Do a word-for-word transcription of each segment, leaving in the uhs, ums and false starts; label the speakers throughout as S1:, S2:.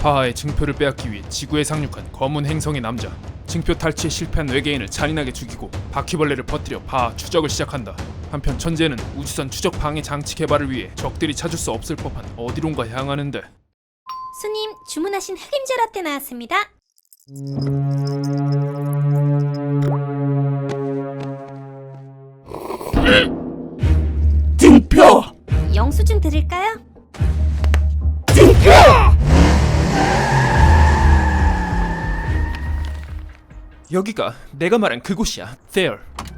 S1: 파하의 증표를 빼앗기 위해 지구에 상륙한 검은 행성의 남자. 증표 탈취에 실패한 외계인을 잔인하게 죽이고 바퀴벌레를 퍼뜨려 파하 추적을 시작한다. 한편 천재는 우주선 추적 방해 장치 개발을 위해 적들이 찾을 수 없을 법한 어디론가 향하는데.
S2: 손님, 주문하신 흑임자 라떼 나왔습니다.
S3: 증표!
S2: 영수증 드릴까요?
S3: 증표!
S1: 여기가 내가 말한 그곳이야. There.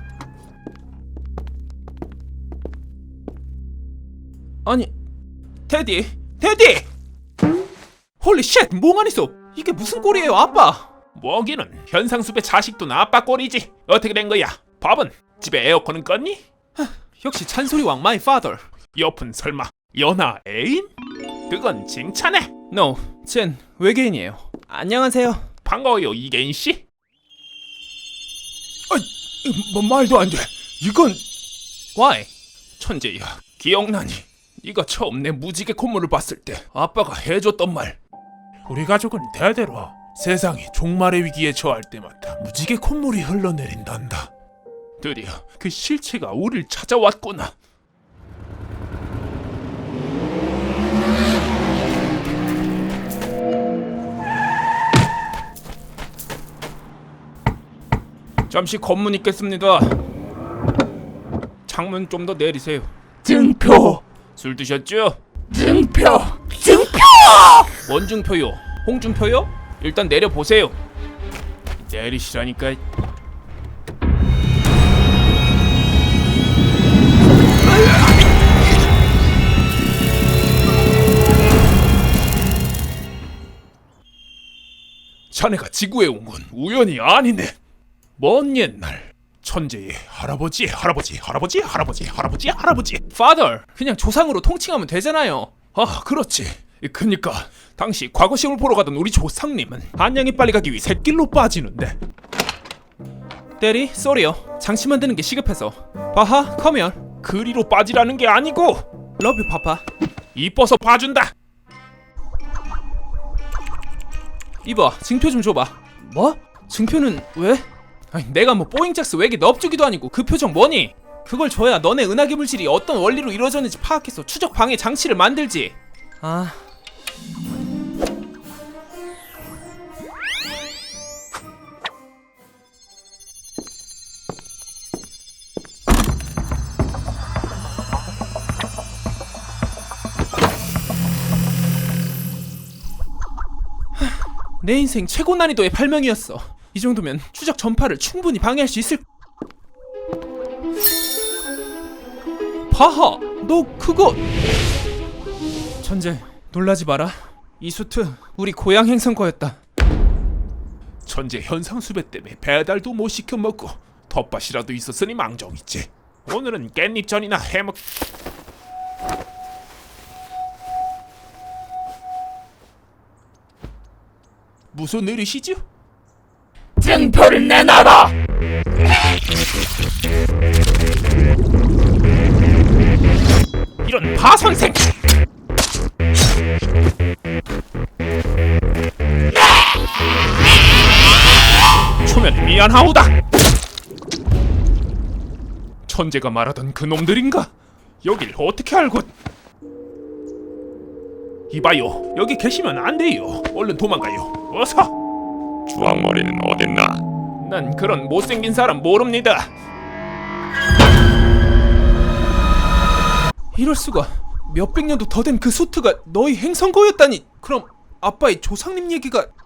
S1: 아니, 테디, 테디! 홀리 쉣, 몽환이 속! 이게 무슨 꼴이에요, 아빠?
S4: 뭐기는 현상수배 자식도 아빠 꼴이지. 어떻게 된 거야? 밥은? 집에 에어컨은 껐니?
S1: 역시 찬소리왕 마이 father.
S4: 옆은 설마 연하 애인? 그건 칭찬해.
S1: No, 쟨 외계인이에요. 안녕하세요.
S4: 반가워요, 이계인 씨.
S1: 뭐 말도 안 돼. 이건 Why?
S4: 천재야, 기억나니? 네가 처음 내 무지개 콧물을 봤을 때 아빠가 해줬던 말. 우리 가족은 대대로 세상이 종말의 위기에 처할 때마다 무지개 콧물이 흘러내린단다. 드디어 그 실체가 우릴 찾아왔구나.
S1: 잠시 검문 있겠습니다. 창문 좀 더 내리세요.
S3: 증표!
S1: 술 드셨죠?
S3: 증표! 증표!
S1: 원중표요? 홍준표요? 일단 내려보세요. 내리시라니까.
S4: 자네가 지구에 온 건 우연이 아니네. 먼 옛날 천재의 할아버지 할아버지 할아버지 할아버지 할아버지 할아버지.
S1: Father, 그냥 조상으로 통칭하면 되잖아요.
S4: 아, 그렇지. 그니까 당시 과거 시험을 보러 가던 우리 조상님은 한양에 빨리 가기 위해 샛길로 빠지는데.
S1: 대리, 쏘리요. 장치 만드는 게 시급해서. 바하, come here.
S4: 그리로 빠지라는 게 아니고
S1: Love you, papa.
S4: 이뻐서 봐준다.
S1: 이봐, 증표 좀 줘봐. 뭐? 증표는 왜? 아니, 내가 뭐 뽀잉짝스 외계 넙주기도 아니고 그 표정 뭐니? 그걸 줘야 너네 은하계 물질이 어떤 원리로 이루어졌는지 파악해서 추적 방해 장치를 만들지. 아... 내 인생 최고 난이도의 발명이었어. 이 정도면 추적 전파를 충분히 방해할 수 있을. 바하, 너 그거. 천재, 놀라지 마라. 이 수트 우리 고향 행성 거였다.
S4: 천재 현상수배 때문에 배달도 못 시켜 먹고 텃밭이라도 있었으니 망정이지. 오늘은 깻잎전이나 해먹. 무슨 일이시죠?
S3: 증표를 내놔라!
S4: 이런 바선생! 초면 미안하오다! 천재가 말하던 그 놈들인가? 여길 어떻게 알고? 이봐요, 여기 계시면 안 돼요. 얼른 도망가요. 어서!
S5: 주황머리는 어딨나?
S4: 난 그런 못생긴 사람 모릅니다.
S1: 이럴 수가. 몇백 년도 더 된 그 수트가 너희 행성 거였다니. 그럼 아빠의 조상님 얘기가